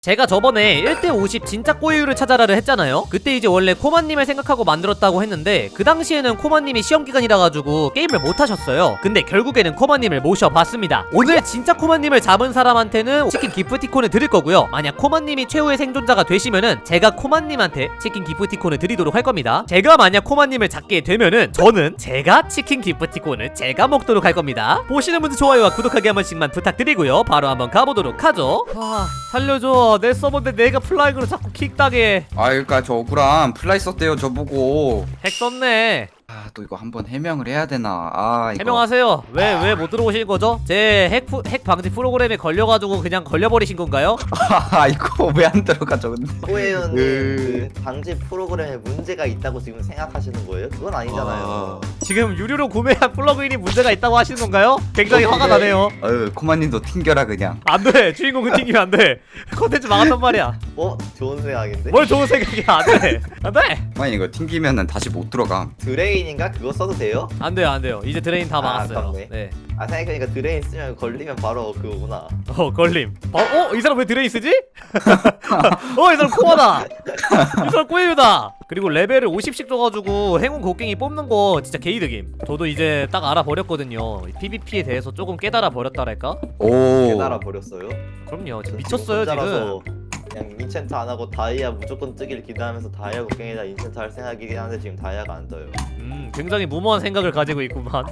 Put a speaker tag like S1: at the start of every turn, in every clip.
S1: 제가 저번에 1대50 진짜 꼬이유를 찾아라를 했잖아요. 그때 이제 원래 코마님을 생각하고 만들었다고 했는데 그 당시에는 코마님이 시험기간이라 가지고 게임을 못하셨어요. 근데 결국에는 코마님을 모셔봤습니다. 오늘 진짜 코마님을 잡은 사람한테는 치킨 기프티콘을 드릴 거고요. 만약 코마님이 최후의 생존자가 되시면은 제가 코마님한테 치킨 기프티콘을 드리도록 할 겁니다. 제가 만약 코마님을 잡게 되면은 저는 제가 치킨 기프티콘을 제가 먹도록 할 겁니다. 보시는 분들 좋아요와 구독하기 한 번씩만 부탁드리고요. 바로 한번 가보도록 하죠. 살려줘. 내 서버인데 내가 플라이그로 자꾸 킥당해.
S2: 그러니까 저 억울함 플라이 썼대요 저보고.
S1: 핵 썼네.
S2: 또 이거 한번 해명을 해야 되나. 이거
S1: 해명하세요. 왜 못 들어오신 거죠? 제 핵 방지 프로그램에 걸려가지고 그냥 걸려버리신 건가요?
S2: 이거 왜 안 들어가죠 근데.
S3: 호혜연님 그 방지 프로그램에 문제가 있다고 지금 생각하시는 거예요? 그건 아니잖아요.
S1: 지금 유료로 구매한 플러그인이 문제가 있다고 하시는 건가요? 굉장히 화가 나네요.
S2: 코마님도 튕겨라 그냥.
S1: 안돼. 주인공은 튕기면 안돼. 컨텐츠 망한단 말이야.
S3: 좋은 생각인데?
S1: 뭘 좋은 생각이야. 안돼. 안돼.
S2: 코마님 이거 튕기면은 다시 못 들어가.
S3: 드레인인가? 그거 써도 돼요?
S1: 안돼요. 안돼요. 이제 드레인 다 막았어요.
S3: 아깝네.
S1: 네.
S3: 생각해보니까 드레인 쓰면 걸리면 바로 그거구나.
S1: 걸림. 이 사람 왜 드레인 쓰지? 이 사람 코어다. 이 사람 꼬예유다. 그리고 레벨을 50씩 줘가지고 행운 곡괭이 뽑는 거 진짜 개이득임. 저도 이제 딱 알아버렸거든요. PVP에 대해서 조금 깨달아 버렸다랄까?
S3: 깨달아 버렸어요?
S1: 그럼요. 지금 미쳤어요 지금.
S3: 그냥 인챈트 안 하고 다이아 무조건 뜨길 기대하면서 다이아 곡괭이다 인챈트 할 생각이긴 한데 지금 다이아가 안 떠요.
S1: 굉장히 무모한 생각을 가지고 있구만.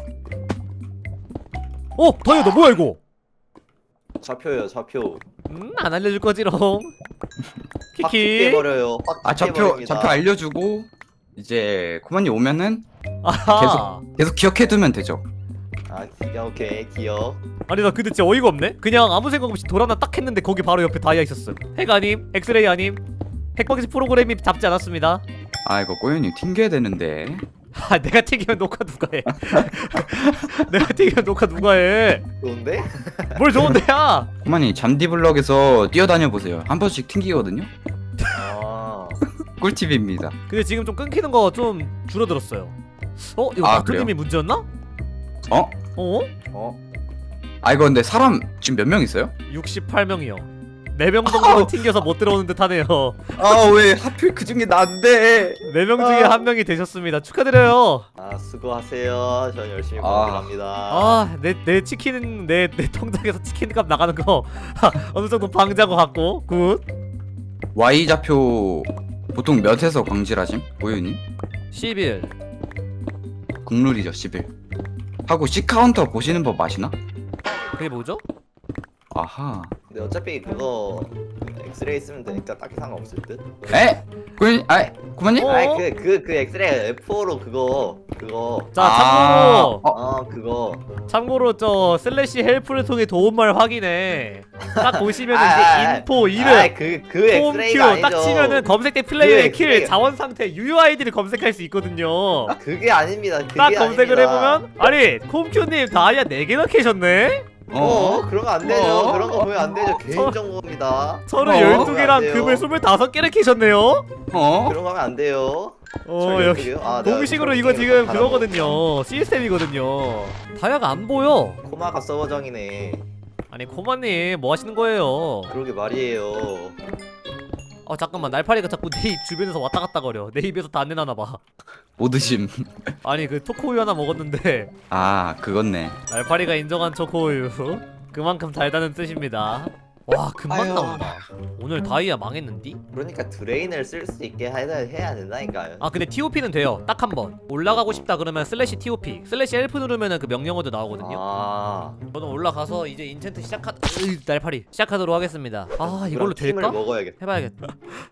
S1: 다이아 너 뭐야 이거?
S3: 좌표요 좌표.
S1: 안 알려줄 거지롱.
S3: 확
S1: 키키.
S3: 깨버려요.
S2: 좌표 알려주고 이제 코마님 오면은
S1: 아하.
S2: 계속 기억해두면 되죠.
S3: 오케이 기억.
S1: 아니 나 근데 진짜 어이가 없네. 그냥 아무 생각 없이 돌아나 딱 했는데 거기 바로 옆에 다이아 있었음. 핵 아님? 엑스레이 아님? 핵방지 프로그램이 잡지 않았습니다.
S2: 이거 꼬윤이 튕겨야 되는데.
S1: 내가 튀기면 녹화 누가 해? 내가 튀기면 녹화 누가 해?
S3: 좋은데?
S1: 뭘 좋은데야?
S2: 코마님 잠디블럭에서 뛰어다녀 보세요. 한 번씩 튕기거든요. 꿀팁입니다.
S1: 근데 지금 좀 끊기는 거 좀 줄어들었어요. 이거
S2: 그래요?
S1: 마크님이 문제였나?
S2: 이거 근데 사람 지금 몇 명 있어요?
S1: 68명이요. 4명 정도는 튕겨서 못 들어오는 듯 하네요.
S2: 왜 하필 그 중에 난데.
S1: 4명 중에 1명이 되셨습니다. 축하드려요.
S3: 수고하세요. 전 열심히 공부합니다.
S1: 내 치킨 내 통장에서 치킨값 나가는 거 어느 정도 방지한 것 같고 굿.
S2: Y 좌표 보통 몇에서 광질하심? 보유님?
S1: 11.
S2: 국룰이죠 11. 하고 C 카운터 보시는 법 아시나?
S1: 그게 뭐죠?
S2: 아하.
S3: 근데 어차피 그거 엑스레이 쓰면 되니까 딱히 상관없을 듯.
S2: 에? 고만님?
S3: 그 엑스레이 F4로 그거.
S1: 자 참고로
S3: 그거.
S1: 슬래시 헬프를 통해 도움말 확인해. 딱 보시면 이제 인포 이름
S3: 그 엑스레이가
S1: 홈큐
S3: 아니죠.
S1: 딱 치면은 검색대 플레이어의
S3: 그
S1: 킬
S3: 엑스레이.
S1: 자원 상태 UUID를 검색할 수 있거든요.
S3: 그게 아닙니다.
S1: 딱 검색을 해보면 홈큐님 다이아 4개나 캐셨네?
S3: 그러면 안 되죠. 그런 거 보면 안 되죠. 개인정보입니다.
S1: 서로
S3: 안
S1: 12개랑
S3: 돼요.
S1: 금을 25개를 캐셨네요?
S3: 그런 거 하면 안 돼요.
S1: 역시 공식으로 이거 지금 그거거든요. 시스템이거든요. 다이아가 안 보여.
S3: 코마가 서버정이네.
S1: 아니 코마님 뭐 하시는 거예요?
S3: 그러게 말이에요.
S1: 잠깐만 날파리가 자꾸 내 입 주변에서 왔다 갔다 거려. 내 입에서 다 안 내놔봐.
S2: 못 드심.
S1: 아니 그 초코우유 하나 먹었는데
S2: 그건네.
S1: 날파리가 인정한 초코우유 그만큼 달다는 뜻입니다. 와 금방 나온다. 오늘 다이아 망했는디?
S3: 그러니까 드레인을 쓸 수 있게 해야 된다니까요.
S1: 근데 TOP는 돼요. 딱 한 번 올라가고 싶다 그러면 슬래시 TOP 슬래시 F 누르면은 그 명령어도 나오거든요. 저는 올라가서 이제 인챈트 날파리 시작하도록 하겠습니다. 이걸로
S3: 팀을
S1: 될까?
S3: 먹어야겠다.
S1: 해봐야겠다.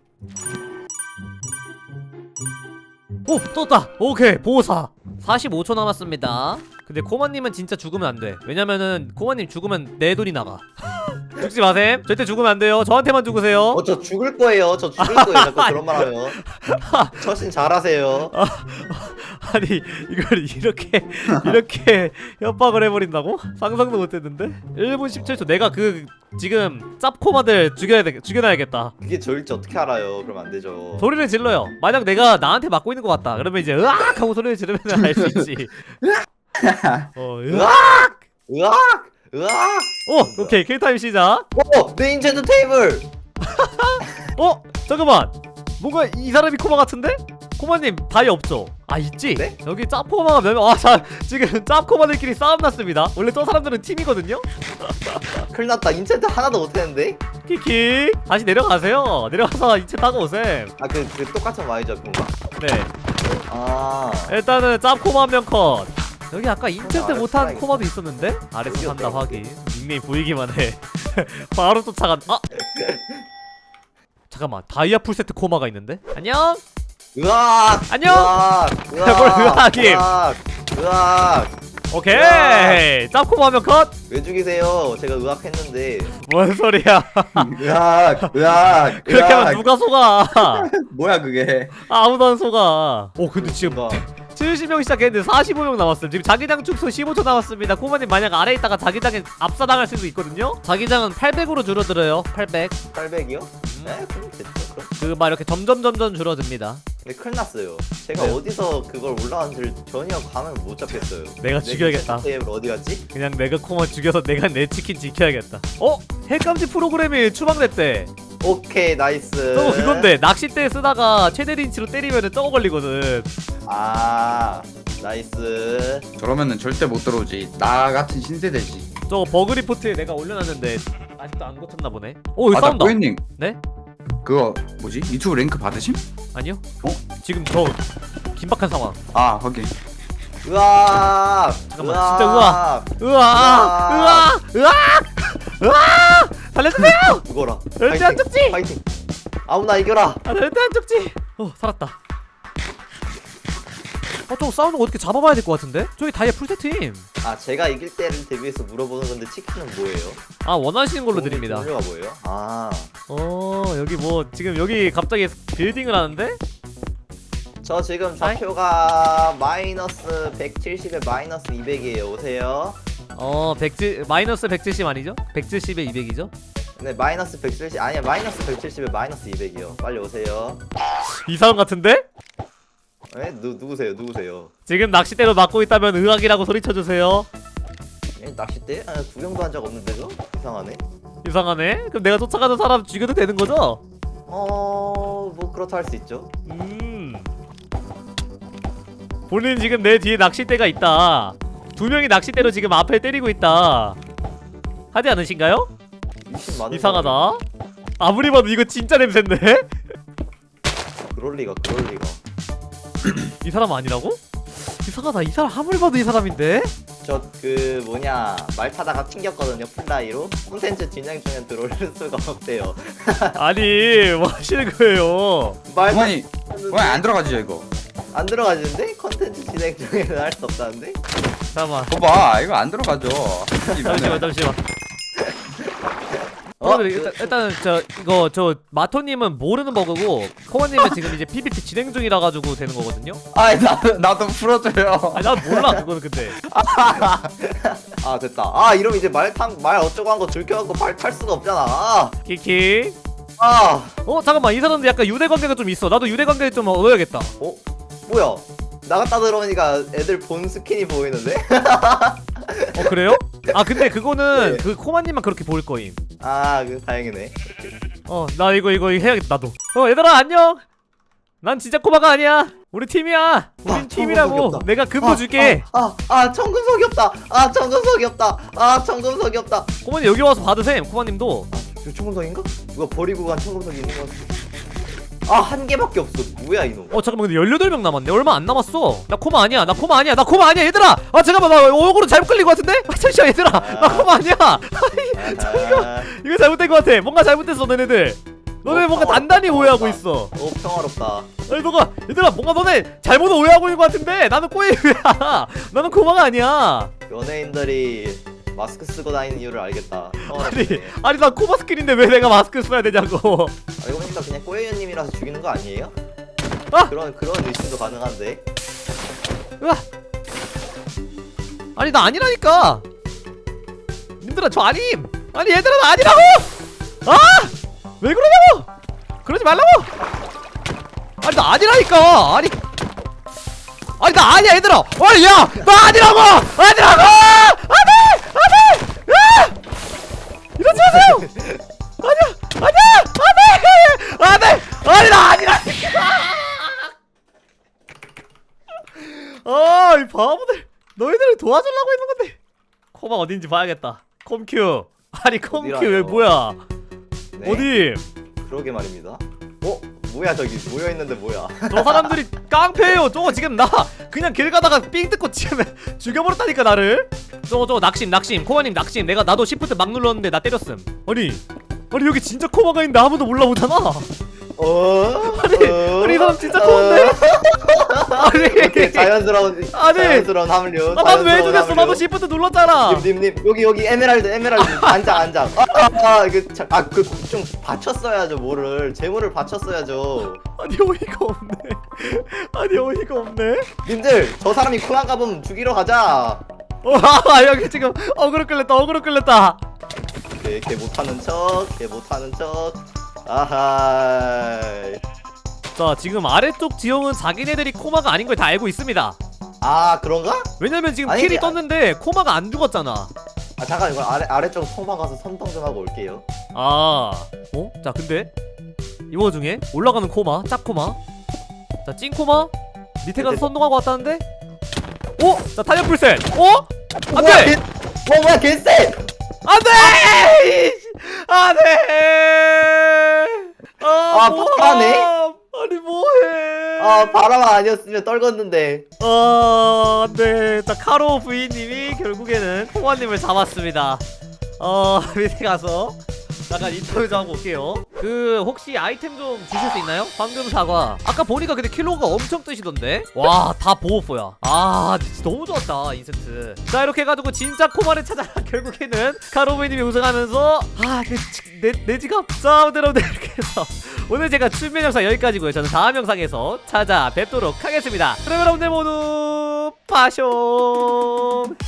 S1: 떴다. 오케이 보호사 45초 남았습니다. 근데 코마님은 진짜 죽으면 안 돼. 왜냐면은 코마님 죽으면 내 돈이 나가. 죽지 마셈. 절대 죽으면 안 돼요. 저한테만 죽으세요.
S3: 저 죽을 거예요. 저 죽을 거예요. 자꾸 그런 말 하면. 처신 잘하세요.
S1: 아니 이걸 이렇게 협박을 해버린다고? 상상도 못했는데. 1분 17초. 내가 지금 짭코마들 죽여놔야겠다.
S3: 그게 저일지 어떻게 알아요? 그럼 안 되죠.
S1: 소리를 질러요. 만약 내가 나한테 맞고 있는 것 같다. 그러면 이제 으악 하고 소리를 지르면 알 수 있지.
S3: 으악!
S1: 오케이 킬타임 시작.
S3: 내 인챈트 테이블!
S1: 어? 잠깐만 뭔가 이 사람이 코마 같은데? 코마님 다이 없죠? 아 있지?
S3: 네?
S1: 여기 짭코마가 몇 명.. 아 자 지금 짭코마들끼리 싸움 났습니다. 원래 저 사람들은 팀이거든요?
S3: 큰일 났다. 인챈트 하나도 못했는데?
S1: 키키 다시 내려가세요. 내려가서 인체 타고 오셈.
S3: 아 그 똑같은 Y죠 그건가?
S1: 네
S3: 아
S1: 일단은 짭코마 한 명 컷. 여기 아까 인챈트
S3: 아래서
S1: 못한
S3: 살아있어.
S1: 코마도 있었는데? 아래서 산다
S3: 여기였다고.
S1: 확인. 닉네임 보이기만 해. 바로 쫓아간.. 아! 잠깐만 다이아 풀세트 코마가 있는데? 안녕?
S3: 으악!
S1: 안녕!
S3: 으악!
S1: 뭘 으악임!
S3: 으악! 으악!
S1: 오케이! 짭코마 한 명 컷!
S3: 왜 죽이세요? 제가 으악했는데.
S1: 뭔 소리야.
S2: 으악 으악
S1: 그렇게 하면 누가 속아.
S2: 뭐야 그게.
S1: 아무도 안 속아. 오 근데 지금
S3: 누가?
S1: 70명 시작했는데 45명 남았어요. 지금 자기장 축소 15초 남았습니다. 코마님 만약 아래에 있다가 자기장에 압사당할 수도 있거든요. 자기장은 800으로 줄어들어요. 800.
S3: 800이요? 네, 그럼 됐죠. 그럼.
S1: 그 막 이렇게 점점 줄어듭니다.
S3: 근데 큰일 났어요. 제가
S1: 네.
S3: 어디서 그걸 올라왔는지 전혀 감을 못 잡겠어요.
S1: 내가 죽여야겠다.
S3: 테이블 어디 갔지?
S1: 그냥 내가 코마 죽여서 내가 내 치킨 지켜야겠다. 어? 핵감지 프로그램이 추방됐대.
S3: 오케이 나이스.
S1: 저거 그건데 낚싯대 쓰다가 최대 린치로 때리면은 저거 걸리거든.
S3: 아 나이스.
S2: 저러면은 절대 못 들어오지. 나 같은 신세대지.
S1: 저거 버그 리포트에 내가 올려놨는데 아직도 안 고쳤나 보네. 오 여기
S2: 아나
S1: 싸운다.
S2: 꼬연님
S1: 네?
S2: 그거 뭐지? 유튜브 랭크 받으심?
S1: 아니요?
S2: 어?
S1: 지금 저 긴박한 상황.
S2: 아 확인.
S3: 으악.
S1: 잠깐만, 진짜 으악. 으아! 살려주세요!
S3: 죽어라.
S1: 절대 안 죽지!
S3: 파이팅. 아무나 이겨라.
S1: 아 절대 안 죽지! 살았다. 저거 싸우는 거 어떻게 잡아봐야 될 것 같은데? 저기 다이아 풀세트임.
S3: 아 제가 이길 때를 대비해서 물어보는 건데 치킨은 뭐예요?
S1: 아 원하시는 걸로 드립니다.
S3: 종류가 뭐예요? 아
S1: 여기 뭐 지금 여기 갑자기 빌딩을 하는데?
S3: 저 지금 좌표가 마이너스 170에 마이너스 200이에요. 오세요.
S1: 마이너스 170 아니죠? 170에 200이죠?
S3: 네 마이너스 170 아니야 마이너스 170에 마이너스 200이요. 빨리 오세요.
S1: 이 사람 같은데?
S3: 네? 누구세요?
S1: 지금 낚싯대로 맞고 있다면 의학이라고 소리쳐주세요.
S3: 예, 낚싯대? 아, 구경도 한 적 없는데 그거? 이상하네.
S1: 이상하네? 그럼 내가 쫓아가는 사람 죽여도 되는 거죠?
S3: 뭐 그렇다 할 수 있죠.
S1: 본인 지금 내 뒤에 낚싯대가 있다. 두 명이 낚싯대로 지금 앞에 때리고 있다. 하지 않으신가요?
S3: 미친 많은
S1: 이상하다. 아무리 봐도 이거 진짜 냄새인데?
S3: 사람이- 그럴 리가.
S1: 이 사람 아니라고? 이상하다. 이 사람 아무리 봐도 이 사람인데?
S3: 저 그 뭐냐 말 타다가 튕겼거든요. 플라이로. 콘텐츠 진행 중에 들어올 수가 없대요.
S2: 아니
S1: 뭐 하시는 거예요?
S3: 말
S2: 그만이 그만 안 들어가지죠 이거.
S3: 안 들어가지는데? 컨텐츠 진행 중에는 할 수 없다는데?
S1: 잠깐만.
S2: 봐봐 이거 안 들어가죠.
S1: 잠시만.
S3: 어?
S1: 그러면 일단은 저 마토님은 모르는 버그고 코어님은 지금 이제 PVP 진행 중이라 가지고 되는 거거든요.
S2: 아니 나도 풀어줘요.
S1: 아니 난 몰라 그거는 근데.
S3: 아 됐다. 아 이러면 이제 말 어쩌고 한 거 들켜갖고 탈 수가 없잖아.
S1: 키키.
S3: 아.
S1: 잠깐만 이 사람도 약간 유대 관계가 좀 있어. 나도 유대 관계 좀 얻어야겠다.
S3: 뭐야? 나갔다 들어오니까 애들 본 스킨이 보이는데?
S1: 그래요? 아 근데 그거는
S3: 네.
S1: 그 코마님만 그렇게 보일 거임.
S3: 아, 그 다행이네.
S1: 나 이거 해야겠다 나도. 얘들아 안녕. 난 진짜 코마가 아니야. 우리 팀이야. 우린 팀이라고.
S3: 청금석이 없다.
S1: 내가 근무 줄게.
S3: 청금석이 없다. 청금석이 없다. 청금석이 없다.
S1: 코마님 여기 와서 받으셈. 코마님도.
S3: 저 청금석인가? 누가 버리고 간 청금석이 있는 거 같아. 한 개밖에 없어. 뭐야 이놈?
S1: 잠깐만 근데 18명 남았네. 얼마 안 남았어. 나 코마 아니야 얘들아. 잠깐만 나 얼굴은 잘못 끌린 것 같은데? 잠시만 얘들아. 나 코마 아니야. 이거 잘못된 것 같아. 뭔가 잘못됐어 너네들. 너네 뭔가 단단히 오해하고 있어.
S3: 오 평화롭다.
S1: 아니 너가 얘들아 뭔가 너네 잘못 오해하고 있는 것 같은데 나는 꼬이야. 나는 코마가 아니야.
S3: 연예인들이 마스크 쓰고 다니는 이유를 알겠다.
S1: 아니 나 코마 스킬인데 왜 내가 마스크 써야 되냐고.
S3: 알고 보니까 그냥 꼬여연님이라서 죽이는 거 아니에요? 그런 의심도 가능한데.
S1: 아니 나 아니라니까. 님들아 저 아님. 아니 얘들아 나 아니라고. 왜 그러냐고. 그러지 말라고. 아니 나 아니라니까. 아니 나 아니야 얘들아. 아니 야 나 아니라고. 안돼. 이러지 마세요. 아니야. 코마 어딘지 봐야겠다. 컴큐. 아니 컴큐
S3: 어디라뇨?
S1: 여기 뭐야?
S3: 네?
S1: 어디?
S3: 그러게 말입니다. 뭐야 저기 모여있는데 뭐야.
S1: 저 사람들이 깡패예요. 저거 지금 나 그냥 길 가다가 삥 뜯고 지금 죽여버렸다니까 나를. 저거 낙심. 코마님 낙심. 나도 시프트 막 눌렀는데 나 때렸음. 아니 여기 진짜 코마가 있는데 아무도 몰라보잖아. 아니 이 사람 진짜 코마인데?
S3: 이렇게 자연스러운 합류.
S1: 나도 왜 죽였어? 나도 시프트 눌렀잖아.
S3: 님 여기 에메랄드 안장. 좀 받쳤어야죠 뭐를 재물을 받쳤어야죠.
S1: 아니 어이가 없네.
S3: 님들 저 사람이 코난가 보면 죽이러 가자.
S1: 여기 지금 어그로 끌렸다.
S3: 걔 못하는 척. 아하.
S1: 자 지금 아래쪽 지형은 자기네들이 코마가 아닌 걸 다 알고 있습니다.
S3: 아 그런가?
S1: 왜냐면 지금
S3: 아니,
S1: 킬이
S3: 아-
S1: 떴는데 코마가 안 죽었잖아.
S3: 잠깐 이거 아래쪽 소마 가서 선동 좀 하고 올게요.
S1: 자 근데 이 와중에 올라가는 코마, 짭코마, 자 찐코마 밑에 가서 선동하고 왔다는데? 자 탄력 풀셋. 안돼!
S3: 뭐야 개쎄!
S1: 안돼! 안돼!
S3: 바라네?
S1: 아니 뭐해?
S3: 바람 아니었으면 떨궜는데.
S1: 안돼. 자 카로 부인님이 결국에는 코마님을 잡았습니다. 밑에 가서 잠깐 인터뷰 좀 하고 올게요. 혹시 아이템 좀 주실 수 있나요? 황금 사과. 아까 보니까 근데 킬로가 엄청 뜨시던데? 와, 다 보호포야. 진짜 너무 좋았다, 인센트. 자, 이렇게 해가지고 진짜 코마를 찾아 결국에는 카로베님이 우승하면서 내 지갑. 자, 여러분들 이렇게 해서 오늘 제가 출면 영상 여기까지고요. 저는 다음 영상에서 찾아뵙도록 하겠습니다. 그럼 여러분들 모두 파숑.